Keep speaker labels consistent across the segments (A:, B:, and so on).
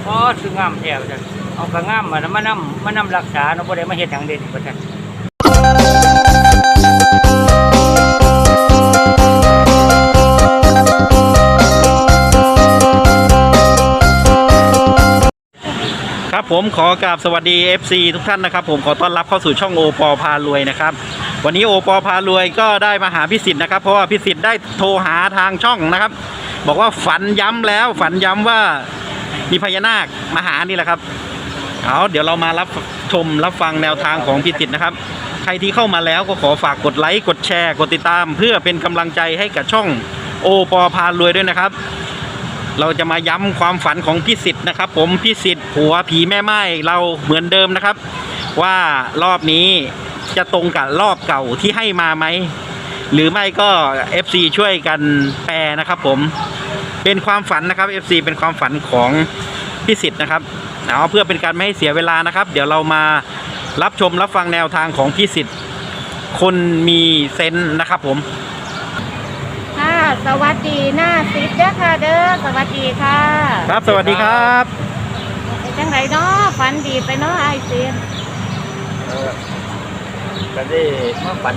A: อ๋อคืองามแท้จ้ะเอากระงามมานำรักษาเนาะบ่ได้มาเฮ็ดหยังเด่นว่าซั่น
B: ครับผมขอกราบสวัสดี FC ทุกท่านนะครับผมขอต้อนรับเข้าสู่ช่องโอปอพารวยนะครับวันนี้โอปอพารวยก็ได้มาหาพี่สิทธิ์นะครับเพราะว่าพี่สิทธิ์ได้โทรหาทางช่องนะครับบอกว่าฝันย้ำแล้วฝันย้ำว่ามีพญานาคมาหานี่แหละครับเอาเดี๋ยวเรามารับชมรับฟังแนวทางของพี่สิทธิ์นะครับใครที่เข้ามาแล้วก็ขอฝากกดไลค์กดแชร์กดติดตามเพื่อเป็นกำลังใจให้กับช่องโอปอพารวยด้วยนะครับเราจะมาย้ำความฝันของพี่สิทธิ์นะครับผมพี่สิทธิ์ผัวผีแม่ไม้เราเหมือนเดิมนะครับว่ารอบนี้จะตรงกับรอบเก่าที่ให้มาไหมหรือไม่ก็ FC ช่วยกันแปลนะครับผมเป็นความฝันนะครับ FC เป็นความฝันของพี่สิทธิ์นะครับเอาเพื่อเป็นการไม่ให้เสียเวลานะครับเดี๋ยวเรามารับชมรับฟังแนวทางของพี่สิทธิ์คนมีเซนส์นะครับผม
C: ค่ะสวัสดีหน้าซิดเด้อค่ะเด้อสวัสดีค่ะ
B: ครับสวัสดีครับ
C: เป็นจังไรเนาะฝันดีไปเนาะไอซีน
A: ก็ได้มาฝัน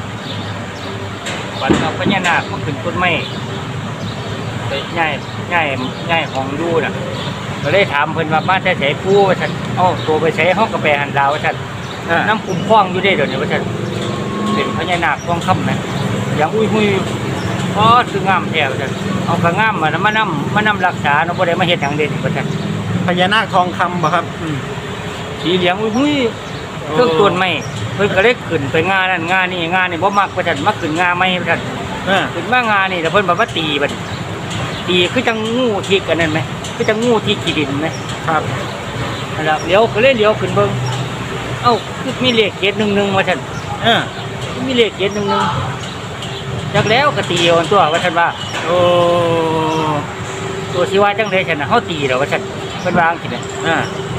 A: เอาพญานาคมาขึ้นต้นไม้ไปง่ายของดูน่ะก็เลยถามเพิ่นว่าบ้านแต่ไสปู่ว่าซั่นเอ้าตัวไปไสเฮาก็ไปหันดาวว่าซั่นน้ำคุ้มครองอยู่ได้เดี๋ยวนี้ว่าซั่นเป็นพญานาคทองคำนะอย่างอุ้ยอ๋อคืองามแท้ว่าซั่นเอากระงามมานำรักษาเนาะบ่ได้มาเฮ็ดหยังเด่นว่าซั่น
B: พญานาคทองคำป่ะครับ
A: สีเหลืองอุ้ยเครื่องต้นไม้เพิ่นก็เลยขึ้นไปงานนั่นงานนี่บ่มักว่าซั่นมาขึ้นงาไม้ว่าซั่นขึ้นมางานนี่แต่เพิ่นบอกว่าตีบัดตีคือจังงูที่กันนั่นไหมคือจังงูที่ขี้ดินไหมครับนั่นแหละเลี้ยวก็เลยเลี้ยวขึ้นเบิ่งเอ้าคือมีเลข711ว่าซั่นมีเลข711จักแล้วก็ตีเอาตัวว่าซั่นว่าโอ้ตัวสิว่าจังได๋ซั่นน่ะเฮาตีแล้วว่าซั่นเพิ่นวาจังซี่น่ะ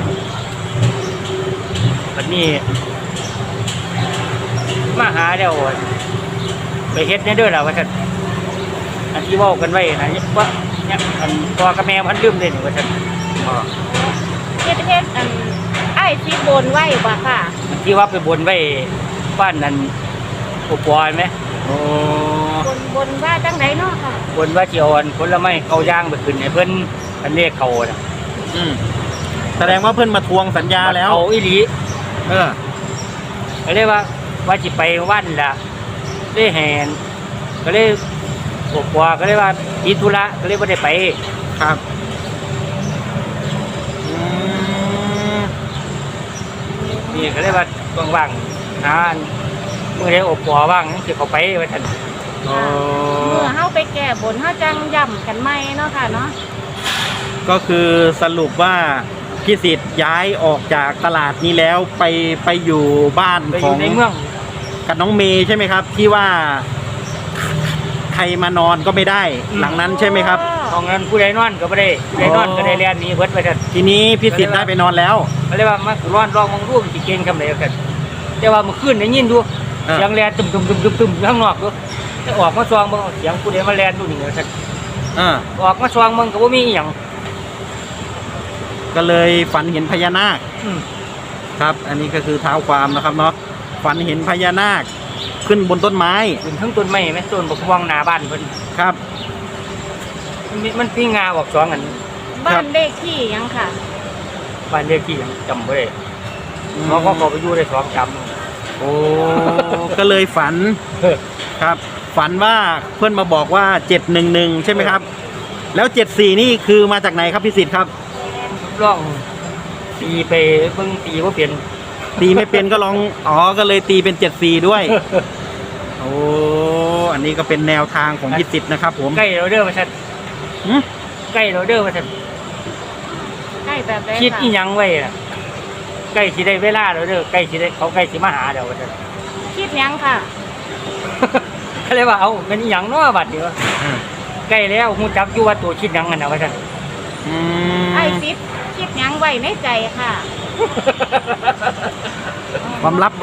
A: บัดนี้มาหาแล้วไปเฮ็ดในเด้อล่ะว่าซั่นอันที่เว้ากันไว้นะว่าเนี่ยอันพ่อกับแม่พันลืมเด้นี่ว่าซั่น
C: เฮ็ดอันไอซีบนไว้บ่ค่ะ
A: ที่ว่าไปบนไว้บ้านนั้นอุปอยไหมโอ้
C: บนว่าจังไดเนาะค่ะ
A: บนว่าสิเอาอันผลไม้เข้าย่างไปขึ้นให้เพิ่นอันเลขเข้าน่ะ
B: แสดงว่าเพิ่นมาทวงสัญญาแล้ว
A: เอาอีหลีก็เลยว่าสิไปวันล่ะได้แหนก็เลยกว่าก็เลยว่าติดธุระก็เลยบ่ได้ไป
B: ครับ
A: นี่ก็เลยว่าว่างๆหามื้อใดอบปัวว่างสิเข้าไปว่าซั่น
C: เมื่อเฮาไปแก้บนเฮาจังย่ำกันใหม่เนาะค่ะเนาะ
B: ก็คือสรุปว่าพี่สิทธิ์ย้ายออกจากตลาดนี้แล้วไปอยู่บ้านของ
A: ในเมือง
B: กับน้องเมย์ใช่ไหมครับที่ว่าใครมานอนก็ไม่ได้หลังนั้นใช่ไหมครับ
A: ของนั้นผู้ใดนอนก็ไม่ได้ผู้ใดนอนก็ได้เรียนนี้เพิ่นไปซั่น
B: ทีนี้พี่สิทธิ์ได้ไปนอนแล้ว
A: ก็เลยว่ามาร้อนรองมองรูปสิเก่งคำใดกันแต่ว่าเมื่อคืนได้ยินดูเสียงแลนตึมข้างนอกดูแต่ออกมาซองบ่เสียงผู้ใดมาแลนดูนี่ว่าซั่นออกมาซองมึงก็บ่มีอีหยัง
B: ก็เลยฝันเห็นพญานาคครับอันนี้ก็คือเท้าความนะครับเนาะฝันเห็นพญานาคขึ้นบนต้นไม้
A: ขึ้นทั้งต้นไม้แม่ต้นบักม่วงหน้าบ้านเพิ่น
B: ครับ
A: มันพี่งาออก2อัน
C: บ้านเลขที่ยังค่ะ
A: บ้านเลขที่ยังจำบ่ได้น้องก็ไปอยู่ได้2จำ
B: โอ้ก็เลยฝันครับฝันว่าเพื่อนมาบอกว่า711ใช่ไหมครับแล้ว74นี่คือมาจากไหนครับพี่สิทธิ์ครับ
A: ลองตีไปเบิ่งตีบ่เป็น
B: ตีไม่เป็นก็ลองก็เลยตีเป็น74ด้วยโอ้อันนี้ก็เป็นแนวทางของพี่สิทธิ์นะครับผม
A: ใกล้เราเด้อว่าซั่นใกล้เราเด้อว่าซั่น
C: ใกล้แบบ
A: คิดอีหยังไว้ล่ะใกล้สิได้เวลาแล้วเด้อใกล้สิได้เขาใกล้สิมาหาแล้วว่าซั่น
C: คิดหยังค่ะ
A: ก็เลยว่าเอาเป็นอีหยังเนาะบัดนี้ว่าใกล้แล้วฮู้จักอยู่ว่าตัวคิดหยังนั่นน่ะว่าซั่น
C: ไอ้ซิดคิดหยังไว้ในใจค่ะ
B: ความลับ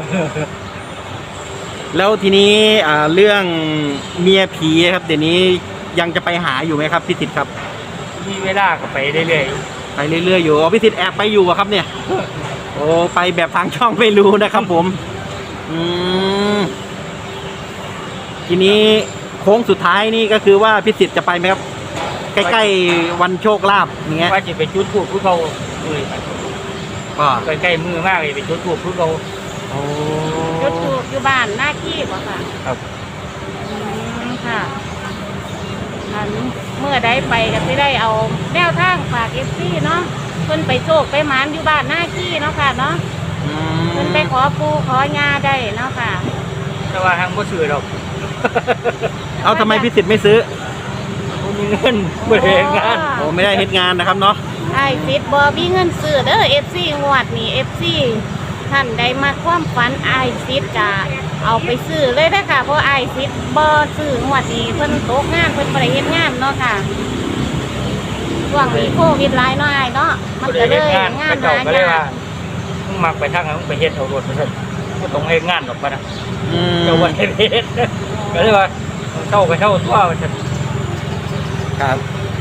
B: แล้วทีนี้เรื่องเมียผีครับเดี๋ยวนี้ยังจะไปหาอยู่ไหมครับพี่สิทธิ์ครับ
A: มีเวลาก็ไปเรื่อย
B: ไปเรื่อยๆอยู่อ๋อพี่สิทธิ์แอบไปอยู่อะครับเนี่ยโอ้ไปแบบทางช่องไม่รู้นะครับผมอืมทีนี้โค้งสุดท้ายนี่ก็คือว่าพี่สิทธิ์จะไปไหมครับใกล้ๆวันโชคลาภอย่างเงี้ย
A: ว่าจะไปจุดธูปผู้เขาเลย
B: ก็
A: ใกล้ๆมือมากเลยไปจุดธูปผู้เขา
B: โอ้
C: จุดทูบอยู่บ้านหน้าขี้บ่ค่ะ
A: ครับ
C: ค่ะอันเมื่อได้ไปก็สิได้เอาแนวทางฝากFCเนาะเพิ่นไปโชคไปหมานอยู่บ้านหน้าขี้เนาะค่ะเนาะ
B: อื
C: เพิ่นไปขอปู่ขอยาได้เนาะค่ะ
A: แต่ว่าทางบ่ซื้อดอก
B: เอาทำไมพี่สิทธิ์ไม่ซื้อ
A: บ่มีเงินบ่ได้เฮ็ดงาน
B: โอ้ไม่ได้เฮ็ดงานนะครับเนาะ
C: ไอ้ซิดบ่มีเงินซื้อเด้อ FC งวดนี้ FC ท่านใดมาความฝันไอ้ซิดจะเอาไปซื้อเลยนะคะเพราะไอ้ซิดบ่ซื้องวดนี้เพิ่นตกงานเพิ่นบ่ได้เฮ็ดงานเนาะค่ะช่วงนี้โควิดหลายเนาะอ้ายเนาะมัน
A: บ่
C: ก็
A: ได้
C: เล
A: เฮ็ด
C: ย
A: งาน
C: งาน
A: เขา
C: หา
A: เจ้าก็เลย
C: ยา
A: ว่าก มึงมักไปทางนั้นมึงไปเฮ็ดเอารถไปซั่นบ่ต้องเฮ็ดงานดอกปะนะ
B: อืม
A: เจ้าว่าเฮ็ดก็เลยว่าเช่าก็เช่าตัวว่าซั่น
B: ครับ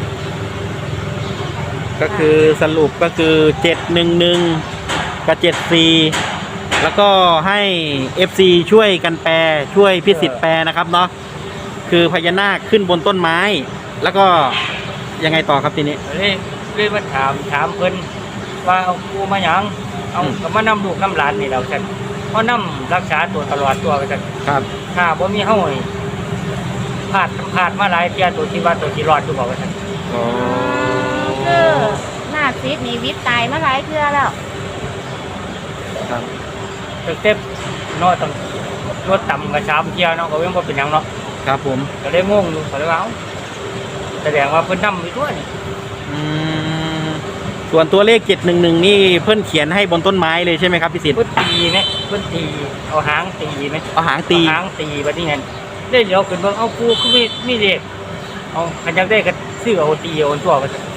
B: ก็คือสรุปก็คือ711กับ74แล้วก็ให้ FC ช่วยกันแปลช่วยพี่สิทธิ์แปลนะครับเนาะคือพญานาคขึ้นบนต้นไม้ แล้วก็ยังไงต่อครับทีนี้
A: เลยมาถามเพิ่นว่าเอากูมาหยังเอาก็มานำลูกนำหลานนี่แล้วซั่นเพราะนำรักษาตัวตลอดตัวว่าซั่น
B: ครับ
A: ถ้าบ่มีเฮานี่พลาดมาหลายเที่ยตัวที่ว่าตัวที่รอดอยู่บ่ว่าซั่น
B: อ๋อ
C: คือหน้าซิดนี่วิตตายมาหลายเทื่อแล้ว
B: ครับ
A: ตึกเต็มเนาะต้องรถต่ำกับ3เที่ยเนาะก็ยังบ่เป็นหยังเนาะ
B: ครับผม
A: ก็เลยงงอยู่ก็เลยว่าเอ้าแสดงว่าเพิ่นนำอยู่ตัวนี่
B: อืมส่วนตัวเลข711นี่เพิ่นเขียนให้บนต้นไม้เลยใช่ไหมครับพี่สิทธิ์
A: เพิ่นตีไหมเพิ่นตีเอาหางตีไหม
B: เอาหางตี
A: เอาหางตีบัดนี้นั่นได้เดี๋ยวขึ้นเบิ่งเอากูคือมีเด็กเอาคันอยากได้ก็ซื้อเอาตีเอาตัวว่าซั่น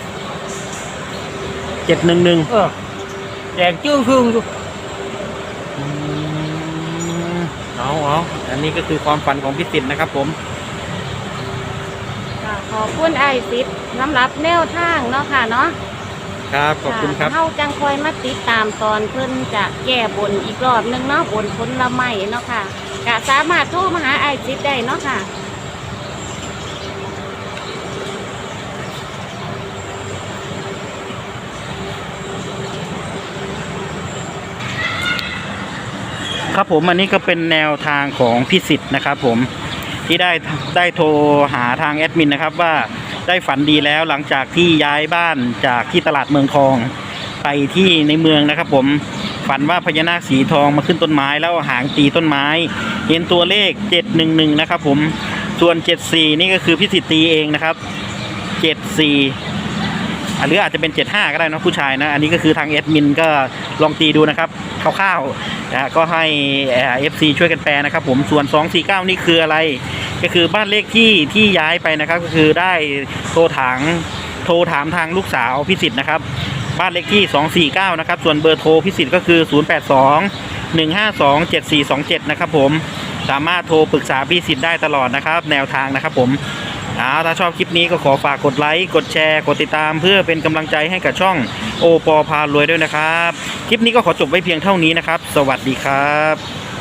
B: 711
A: เออแดงจึ้งครึ่งอยู่
B: อืมเอาอันนี้ก็คือความฝันของพี่สิทธิ์นะครับผม
C: ค่ะขอบคุณไอ้ซิดสำหรับแนวทางเนาะค่ะเนาะ
B: ครับ ขอบคุณครับ
C: เฮาจังคอยมาติดตามตอนเพิ่นจะแก้บนอีกรอบหนึงเนาะบนผลไม้เนาะค่ะก็สามารถโทรมาหาไอ้ซิดได้เนาะค่ะ
B: ครับผมอันนี้ก็เป็นแนวทางของพี่สิทธิ์นะครับผมที่ได้โทรหาทางแอดมินนะครับว่าได้ฝันดีแล้วหลังจากที่ย้ายบ้านจากที่ตลาดเมืองทองไปที่ในเมืองนะครับผมฝันว่าพญานาคสีทองมาขึ้นต้นไม้แล้วหางตีต้นไม้เห็นตัวเลข711นะครับผมส่วน74นี่ก็คือพี่สิทธิ์ตีเองนะครับ74หรืออาจจะเป็น75ก็ได้นะผู้ชายนะอันนี้ก็คือทางแอดมินก็ลองตีดูนะครับคร่าวๆนะก็ให้FC ช่วยกันแปลนะครับผมส่วน249นี่คืออะไรก็คือบ้านเลขที่ย้ายไปนะครับก็คือได้โทรถามทางลูกสาวพิสิทธิ์นะครับบ้านเลขที่249นะครับส่วนเบอร์โทรพิสิทธิ์ก็คือ0821527427นะครับผมสามารถโทรปรึกษาพิสิทธิ์ได้ตลอดนะครับแนวทางนะครับผมถ้าชอบคลิปนี้ก็ขอฝากกดไลค์กดแชร์กดติดตามเพื่อเป็นกำลังใจให้กับช่องโอปอพารวยด้วยนะครับคลิปนี้ก็ขอจบไว้เพียงเท่านี้นะครับสวัสดีครับ